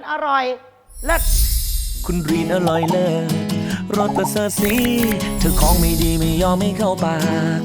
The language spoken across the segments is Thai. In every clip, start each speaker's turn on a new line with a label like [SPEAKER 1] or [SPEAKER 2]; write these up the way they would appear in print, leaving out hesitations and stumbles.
[SPEAKER 1] อร่อยเลิศ
[SPEAKER 2] คุณรีนอร่อยเลิศรสประเสริฐสีเธอของไม่ดีไม่ยอมไม่เข้าปาก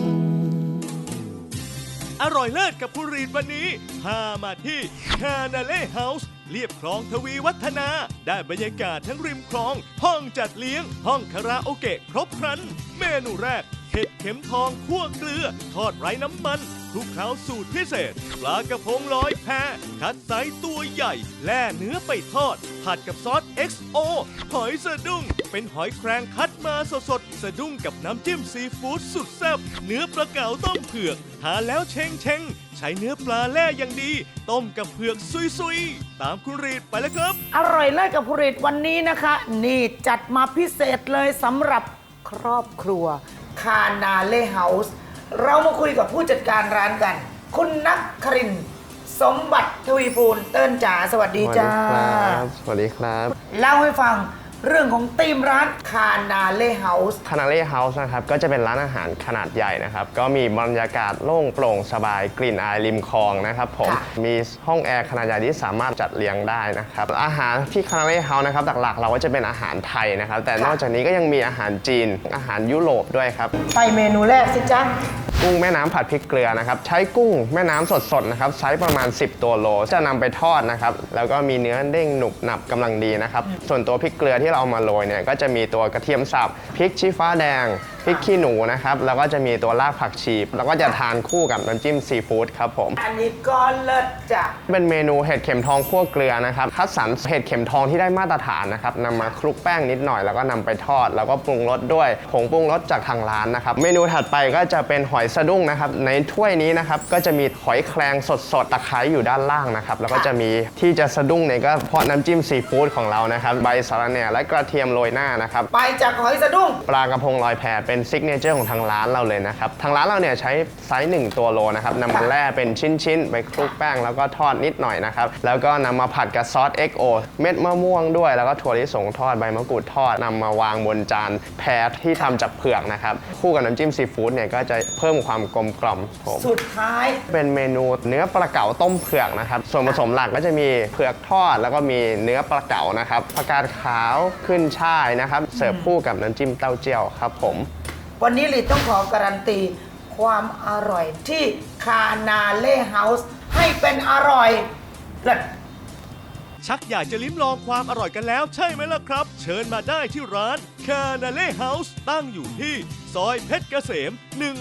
[SPEAKER 3] อร่อยเลิศกับคุณรีนวันนี้พามาที่คานาเล่เฮาส์เรียบคลองทวีวัฒนา ได้บรรยากาศทั้งริมคลอง ห้องจัดเลี้ยง ห้องคาราโอเกะครบครัน เมนูแรกเห็ดเข็มทองคั่วเกลือ ทอดไร้น้ำมันคลุกเคล้าสูตรพิเศษ ปลากระพงลอยแพคัดไซส์ตัวใหญ่แล่เนื้อไปทอด ผัดกับซอส XO หอยสะดุ้งเป็นหอยแครงคัดมาสดๆสะดุ้งกับน้ำจิ้มซีฟู้ดสุดแซ่บเนื้อปลาเก๋าต้มเผือกทานแล้วเชงใช้เนื้อปลาแล่อย่างดี ต้มกับเผือกซุยๆตามคุณรีดไปแล้วครับ
[SPEAKER 1] อร่อยเลิศกับคุณรีดวันนี้นะคะ นี่จัดมาพิเศษเลยสำหรับครอบครัวคานาเล่เฮาส์เรามาคุยกับผู้จัดการร้านกัน คุณนักครินทร์สมบัติทวีปูลเติ้ลจ๋าสวัสดีจ้า
[SPEAKER 4] สวัสดีครับ
[SPEAKER 1] เล่าให้ฟังเรื่องของธีมร้านคานาเล่เฮาส์
[SPEAKER 4] คานาเล่เฮาส์นะครับก็จะเป็นร้านอาหารขนาดใหญ่นะครับก็มีบรรยากาศโล่งโปร่งสบายกลิ่นอายริมคลองนะครับผมมีห้องแอร์ขนาดใหญ่ที่สามารถจัดเลี้ยงได้นะครับอาหารที่คานาเล่เฮาส์นะครับหลักๆเราก็จะเป็นอาหารไทยนะครับแต่นอกจากนี้ก็ยังมีอาหารจีนอาหารยุโรปด้วยครับ
[SPEAKER 1] ไปเมนูแรกสิจ๊ะ
[SPEAKER 4] กุ้งแม่น้ำผัดพริกเกลือนะครับใช้กุ้งแม่น้ำสดๆนะครับไซส์ประมาณ10ตัวโลจะนำไปทอดนะครับแล้วก็มีเนื้อเด้งหนุบหนับกำลังดีนะครับส่วนตัวพริกเกลือที่เราเอามาโรยเนี่ยก็จะมีตัวกระเทียมสับพริกชี้ฟ้าแดงพริกขี้หนูนะครับแล้วก็จะมีตัวรากผักชีแล้วก็จะทานคู่กับน้ำจิ้มซีฟู้ดครับผม
[SPEAKER 1] อันนี้ก็เลิศจ้ะ
[SPEAKER 4] เป็นเมนูเห็ดเข็มทองคั่วเกลือนะครับคัดสรรเห็ดเข็มทองที่ได้มาตรฐานนะครับนำมาคลุกแป้งนิดหน่อยแล้วก็นำไปทอดแล้วก็ปรุงรสด้วยผงปรุงรสจากทางร้านนะครับเมนูถัดไปก็จะเป็นหอยสะดุ้งนะครับในถ้วยนี้นะครับก็จะมีหอยแครงสดๆตะไคร้อยู่ด้านล่างนะครับแล้วก็จะมีที่จะสะดุ้งเนี่ยก็เพราะน้ำจิ้มซีฟู้ดของเรานะครับใบสะระแหน่และกระเทียมโรยหน้านะครับ
[SPEAKER 1] ไปจากหอยสะดุ้ง
[SPEAKER 4] ปลากระพงลอยแพเป็นซิกเนเจอร์ของทางร้านเราเลยนะครับทางร้านเราเนี่ยใช้ไซส์1ตัวโลนะครับนำมาแล่เป็นชิ้นๆไปคลุกแป้งแล้วก็ทอดนิดหน่อยนะครับแล้วก็นำมาผัดกับซอส XO เม็ดมะม่วงด้วยแล้วก็ถั่วลิสงทอดใบมะกรูดทอดนำมาวางบนจานแพที่ทำจากเผือกนะครับคู่กับน้ำจิ้มซีฟู้ดเนี่ยก็จะเพิ่มความกลมกล่อม
[SPEAKER 1] สุดท้าย
[SPEAKER 4] เป็นเมนูเนื้อปลาเก๋าต้มเผือกนะครับส่วนผสมหลักก็จะมีเผือกทอดแล้วก็มีเนื้อปลาเก๋านะครับผักกาดขาวขึ้นช่ายนะครับเสิร์ฟคู่กับน้ำจิ้มเต้าเจี้ยวครับผม
[SPEAKER 1] วันนี้ลีต้องขอการันตีความอร่อยที่คานาเล่เฮาส์ให้เป็นอร่อยเลิศ
[SPEAKER 3] ชักอยากจะลิ้มลองความอร่อยกันแล้วใช่ไหมล่ะครับเชิญมาได้ที่ร้านคานาเล่เฮาส์ตั้งอยู่ที่ซอยเพชรเกษม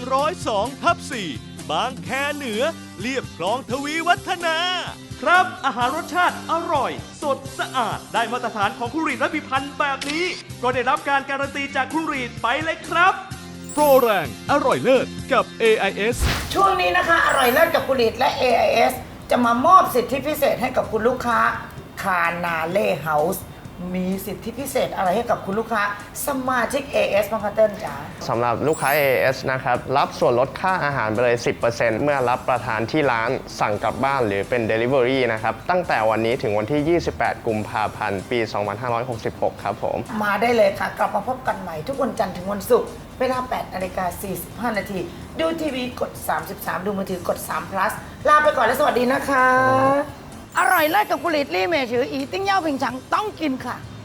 [SPEAKER 3] 102/4บางแคเหนือเรียบคลองทวีวัฒนาครับอาหารรสชาติอร่อยสดสะอาดได้มาตรฐานของคุณรีดและพิพันธ์แบบนี้ก็ได้รับการการันตีจากคุณรีดไปเลยครับโปรแรงอร่อยเลิศกับ AIS
[SPEAKER 1] ช่วงนี้นะคะอร่อยเลิศกับคุณรีดและ AIS จะมามอบสิทธิพิเศษให้กับคุณลูกค้าคานาเล่เฮาส์มีสิทธิพิเศษอะไรให้กับคุณลูกค้าสมาชิก AS บ้างคะเติ้ลจ๋า
[SPEAKER 4] สำหรับลูกค้า AS นะครับรับส่วนลดค่าอาหารไปเลย 10% เมื่อรับประทานที่ร้านสั่งกลับบ้านหรือเป็น Delivery นะครับตั้งแต่วันนี้ถึงวันที่ 28 กุมภาพันธ์ ปี 2566 ครับผม
[SPEAKER 1] มาได้เลยค่ะกลับมาพบกันใหม่ทุกวันจันทร์ถึงวันศุกร์เวลา 8:45 น.ดูทีวีกด 33 ดูมือถือกด3 plus ลาไปก่อนและสวัสดีนะคะอร่อยเลิศกับกุหลิตลี่เมชืออีติ้งเย่าผิงฉังต้องกินค่ะ